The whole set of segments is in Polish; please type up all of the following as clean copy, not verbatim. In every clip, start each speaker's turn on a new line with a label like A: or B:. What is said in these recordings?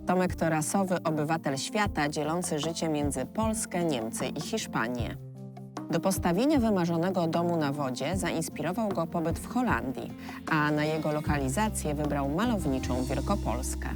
A: Tomek to rasowy obywatel świata dzielący życie między Polskę, Niemcy i Hiszpanię. Do postawienia wymarzonego domu na wodzie zainspirował go pobyt w Holandii, a na jego lokalizację wybrał malowniczą Wielkopolskę.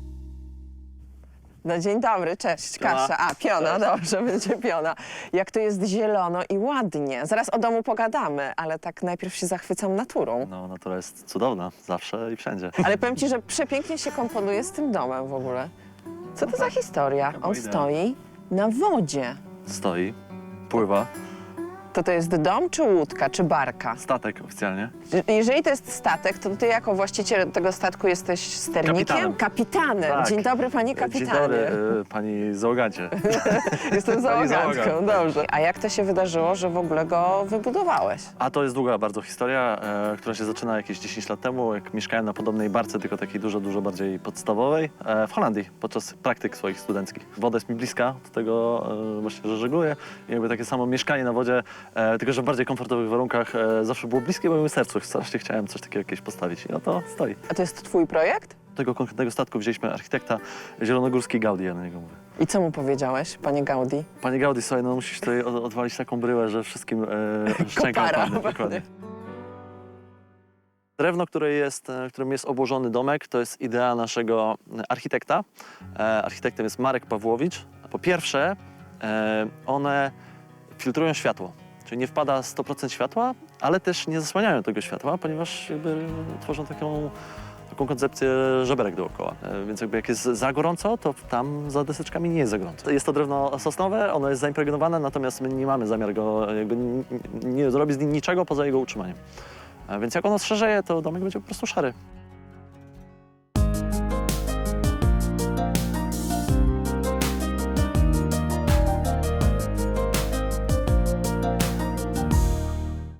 A: No dzień dobry, cześć, Kasia. A, Piona, dobrze, będzie Piona. Jak to jest zielono i ładnie. Zaraz o domu pogadamy, ale tak najpierw się zachwycam naturą.
B: No, natura jest cudowna, zawsze i wszędzie.
A: Ale powiem ci, że przepięknie się komponuje z tym domem w ogóle. Co to za historia? On stoi na wodzie.
B: Stoi, pływa,
A: To jest dom, czy łódka, czy barka?
B: statek oficjalnie.
A: Jeżeli to jest statek, to ty jako właściciel tego statku jesteś sternikiem?
B: Kapitanem.
A: Kapitanem.
B: Tak.
A: Dzień dobry, panie kapitanie.
B: Dzień dobry, pani załogancie.
A: Jestem załogantką,
B: załoga.
A: dobrze. A jak to się wydarzyło, że w ogóle go wybudowałeś?
B: A to jest długa bardzo historia, która się zaczyna jakieś 10 lat temu, jak mieszkałem na podobnej barce, tylko takiej dużo bardziej podstawowej, w Holandii, podczas praktyk swoich studenckich. Woda jest mi bliska, do tego właśnie, że żegluję. I jakby takie samo mieszkanie na wodzie, tylko że w bardziej komfortowych warunkach, zawsze było bliskie mojemu sercu. Strasznie chciałem coś takiego jakieś postawić i to stoi.
A: A to jest twój projekt?
B: Tego konkretnego statku wzięliśmy architekta zielonogórski Gaudi, ja na niego mówię.
A: I co mu powiedziałeś, panie Gaudi?
B: Panie Gaudi, słuchaj, no musisz tutaj odwalić taką bryłę, że wszystkim szczęka
A: Kopara.
B: opadnie. Dokładnie. Drewno, którym jest obłożony domek, to jest idea naszego architekta. Architektem jest Marek Pawłowicz. Po pierwsze, one filtrują światło, czyli nie wpada 100% światła, ale też nie zasłaniają tego światła, ponieważ jakby tworzą taką koncepcję żeberek dookoła. Więc jakby jak jest za gorąco, to tam za deseczkami nie jest za gorąco. Jest to drewno sosnowe, ono jest zaimpregnowane, natomiast my nie mamy zamiar go jakby nie zrobić z nim niczego poza jego utrzymaniem. Więc jak ono szerzeje, to domek będzie po prostu szary.